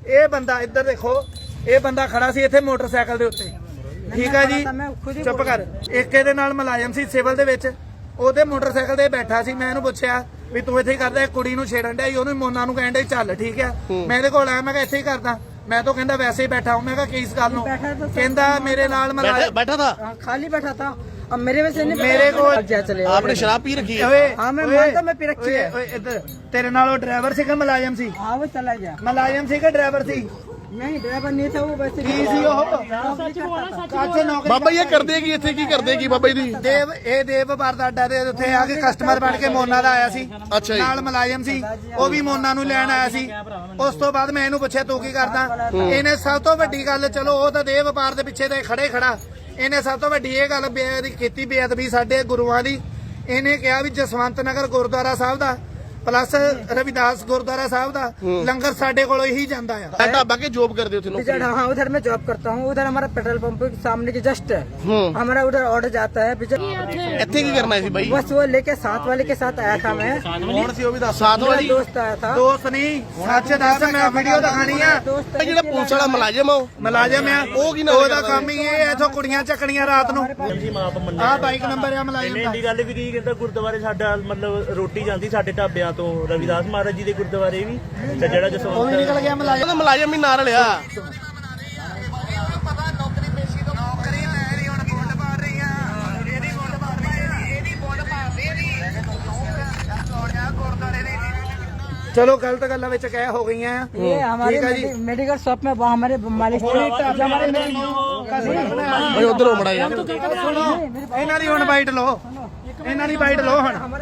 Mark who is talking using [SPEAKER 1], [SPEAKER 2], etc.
[SPEAKER 1] ਇਹ ਬੰਦਾ ਇੱਧਰ ਦੇਖੋ, ਇਹ ਬੰਦਾ ਖੜਾ ਸੀ ਇੱਥੇ ਮੋਟਰਸਾਈਕਲ ਦੇ ਉੱਤੇ, ਠੀਕ ਹੈ ਜੀ, ਚੁੱਪ ਕਰ। ਇੱਕ ਇਹਦੇ ਨਾਲ ਮੁਲਾਜ਼ਮ ਸੀ ਸਿਵਲ ਦੇ ਵਿੱਚ, ਉਹਦੇ ਮੋਟਰਸਾਈਕਲ ਤੇ ਬੈਠਾ ਸੀ। ਮੈਂ ਇਹਨੂੰ ਪੁੱਛਿਆ ਵੀ ਤੂੰ ਇੱਥੇ ਹੀ ਕਰਦਾ, ਇੱਕ ਕੁੜੀ ਨੂੰ ਛੇੜਨ ਡਿਆ, ਉਹਨੂੰ ਮੋਨਾ ਨੂੰ ਕਹਿਣ ਡਿਆ ਚੱਲ, ਠੀਕ ਹੈ। ਮੈਂ ਇਹਦੇ ਕੋਲ ਆਇਆ, ਮੈਂ ਕਿਹਾ ਇੱਥੇ ਹੀ ਕਰਦਾ, ਮੈਂ ਤਾਂ ਕਹਿੰਦਾ ਵੈਸੇ ਹੀ ਬੈਠਾ ਹੂੰ। ਮੈਂ ਕਿਹਾ ਕਿਸ ਗੱਲ ਨੂੰ, ਕਹਿੰਦਾ ਮੇਰੇ ਨਾਲ
[SPEAKER 2] बैठा था,
[SPEAKER 3] खाली बैठा था। अब मेरे वजह से नहीं,
[SPEAKER 1] मेरे को
[SPEAKER 3] क्या चले।
[SPEAKER 2] आपने शराब पी रखी है?
[SPEAKER 3] हाँ मैं मानता, मैं पी रखी है।
[SPEAKER 1] ਇੱਧਰ ਤੇਰੇ ਨਾਲ ਉਹ ਡਰਾਈਵਰ ਸੀ ਕਿ ਮੁਲਾਜ਼ਮ ਸੀ?
[SPEAKER 3] हाँ वो चला गया।
[SPEAKER 1] ਮੁਲਾਜ਼ਮ ਸੀ ਕਿ ਡਰਾਈਵਰ ਸੀ?
[SPEAKER 3] नहीं ड्राइवर नहीं था वो, वैसे
[SPEAKER 1] ਕੀ ਸੀ ਉਹ? ਕਾਚੇ ਨੌਕਰੀ
[SPEAKER 2] बाबा ये कर देगी इतने की कर देगी बाबा जी।
[SPEAKER 1] ਦੇਵ, ਇਹ ਦੇਵ ਵਪਾਰ ਦਾ ਅੱਡਾ ਦੇ ਉੱਥੇ ਆ ਕੇ ਕਸਟਮਰ ਬਣ ਕੇ ਮੋਨਾ ਦਾ ਆਇਆ ਸੀ।
[SPEAKER 2] ਅੱਛਾ ਜੀ।
[SPEAKER 1] ਨਾਲ ਮੁਲਾਜ਼ਮ ਸੀ, ਉਹ ਵੀ ਮੋਨਾ ਨੂੰ ਲੈਣ ਆਇਆ ਸੀ। ਉਸ ਤੋਂ ਬਾਅਦ ਮੈਂ ਇਹਨੂੰ ਪੁੱਛਿਆ ਤੂੰ ਕੀ ਕਰਦਾ? ਇਹਨੇ ਸਭ ਤੋਂ ਵੱਡੀ ਗੱਲ, ਚਲੋ ਉਹ ਤਾਂ ਦੇਵ ਵਪਾਰ ਦੇ ਪਿੱਛੇ ਤੇ ਖੜਾ, ਇਹਨੇ ਸਭ ਤੋਂ ਵੱਡੀ ਇਹ ਗੱਲ ਕੀਤੀ ਬੇਅਦਬੀ ਸਾਡੇ ਗੁਰੂਆਂ ਦੀ। ਇਹਨੇ ਕਿਹਾ ਵੀ ਜਸਵੰਤ ਨਗਰ ਗੁਰਦੁਆਰਾ ਸਾਹਿਬ ਦਾ प्लस रविदास गुरुद्वारा साहब दा लंगर साडे कोलों ही जांदा है।
[SPEAKER 2] ढाबा के जॉब कर देते हो?
[SPEAKER 3] हाँ उधर मैं जॉब करता हूँ, उधर हमारा पेट्रोल पंप के सामने के जस्ट हमारा उधर ऑर्डर जाता है।
[SPEAKER 2] इतने की करना है भाई?
[SPEAKER 3] बस वो लेके साथ वाले के साथ आया था मैं।
[SPEAKER 2] कौन सी वो भी साथ वाली?
[SPEAKER 3] दोस्त आया था।
[SPEAKER 1] दोस्त नहीं, सच दस, मैं वीडियो दिखानी है।
[SPEAKER 2] ਜਿਹੜਾ ਪੁਲਿਸ ਵਾਲਾ ਮੁਲਾਜ਼ਮ ਆ,
[SPEAKER 1] ਮੁਲਾਜ਼ਮ ਆ,
[SPEAKER 2] ਉਹ ਕੀ ਨਾਲ
[SPEAKER 1] ਉਹਦਾ ਕੰਮ ਹੀ ਇਹ ਇਥੋਂ ਕੁੜੀਆਂ ਚੱਕਣੀਆਂ ਰਾਤ ਨੂੰ। ਆਹ ਬਾਈਕ ਨੰਬਰ ਆ ਮੁਲਾਜ਼ਮ ਦਾ।
[SPEAKER 4] ਇਹਦੀ ਗੱਲ ਵੀ ਕੀ ਕਹਿੰਦਾ, ਗੁਰਦੁਆਰੇ ਸਾਡਾ ਮਤਲਬ ਰੋਟੀ ਜਾਂਦੀ ਸਾਡੇ ਢਾਬਿਆਂ ਤੋਂ, ਰਵਿਦਾਸ ਮਹਾਰਾਜ ਜੀ ਦੇ ਗੁਰਦੁਆਰੇ ਵੀ, ਤੇ ਜਿਹੜਾ
[SPEAKER 1] ਉਹ ਵੀ ਨਿਕਲ ਗਿਆ ਮੁਲਾਜ਼ਮ।
[SPEAKER 2] ਮੁਲਾਜ਼ਮ ਹੀ ਨਾਲ ਲਿਆ।
[SPEAKER 1] चलो गलत गल्लां विच कह हो गई हैं।
[SPEAKER 3] ये हमारे मेडिकल शॉप में वो हमारे मालिक
[SPEAKER 2] उधर हो मड़ा यार,
[SPEAKER 1] ਇਹਨਾਂ ਦੀ ਹੁਣ ਬਾਈਟ ਲਓ, ਇਹਨਾਂ ਦੀ ਬਾਈਟ ਲਓ ਹੁਣ।